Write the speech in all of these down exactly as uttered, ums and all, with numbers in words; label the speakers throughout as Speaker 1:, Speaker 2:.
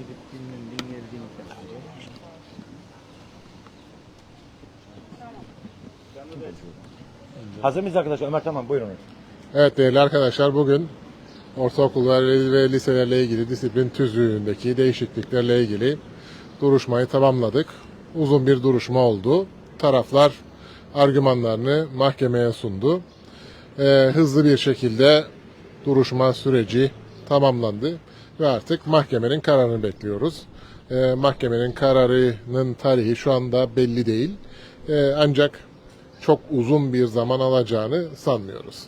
Speaker 1: gidip dinlendin geldin sen.
Speaker 2: Hazır mıyız arkadaşlar? Ömer tamam buyurun.
Speaker 3: Evet değerli arkadaşlar, bugün ortaokullar ve liselerle ilgili disiplin tüzüğündeki değişikliklerle ilgili duruşmayı tamamladık. Uzun bir duruşma oldu. Taraflar argümanlarını mahkemeye sundu. Ee, hızlı bir şekilde duruşma süreci tamamlandı ve artık mahkemenin kararını bekliyoruz. Ee, mahkemenin kararının tarihi şu anda belli değil. Ee, ancak çok uzun bir zaman alacağını sanmıyoruz.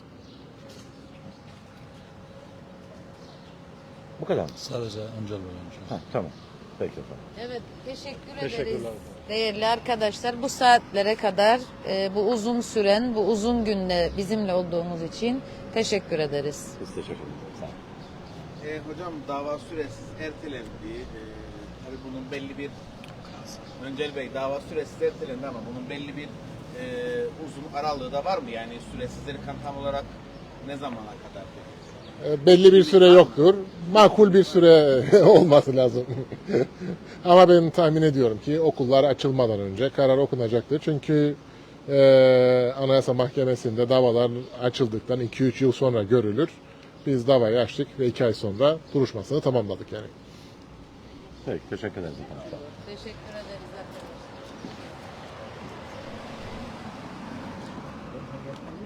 Speaker 2: Bu kadar mı?
Speaker 4: Sadece amcalı öğrenci.
Speaker 2: Ha, tamam. Peki efendim.
Speaker 5: Evet, teşekkür
Speaker 1: Teşekkürler.
Speaker 5: ederiz. Değerli arkadaşlar, bu saatlere kadar e, bu uzun süren, bu uzun günde bizimle olduğunuz için teşekkür ederiz.
Speaker 2: Biz teşekkür ederiz. Sağ olun.
Speaker 6: E, hocam dava süresiz ertelendi. E, tabii bunun belli bir Öncel Bey dava süresiz ertelendi ama bunun belli bir e, uzun aralığı da var mı? Yani süresizleri kan tam olarak ne zamana kadar?
Speaker 3: E, belli bir süre yoktur. Makul bir süre olması lazım. Ama ben tahmin ediyorum ki okullar açılmadan önce karar okunacaktır. Çünkü e, Anayasa Mahkemesi'nde davalar açıldıktan iki üç yıl sonra görülür. Biz davayı açtık ve iki ay sonra duruşmasını tamamladık yani.
Speaker 2: Peki teşekkür ederiz efendim. Sağ olun.
Speaker 5: Teşekkür ederiz arkadaşlar.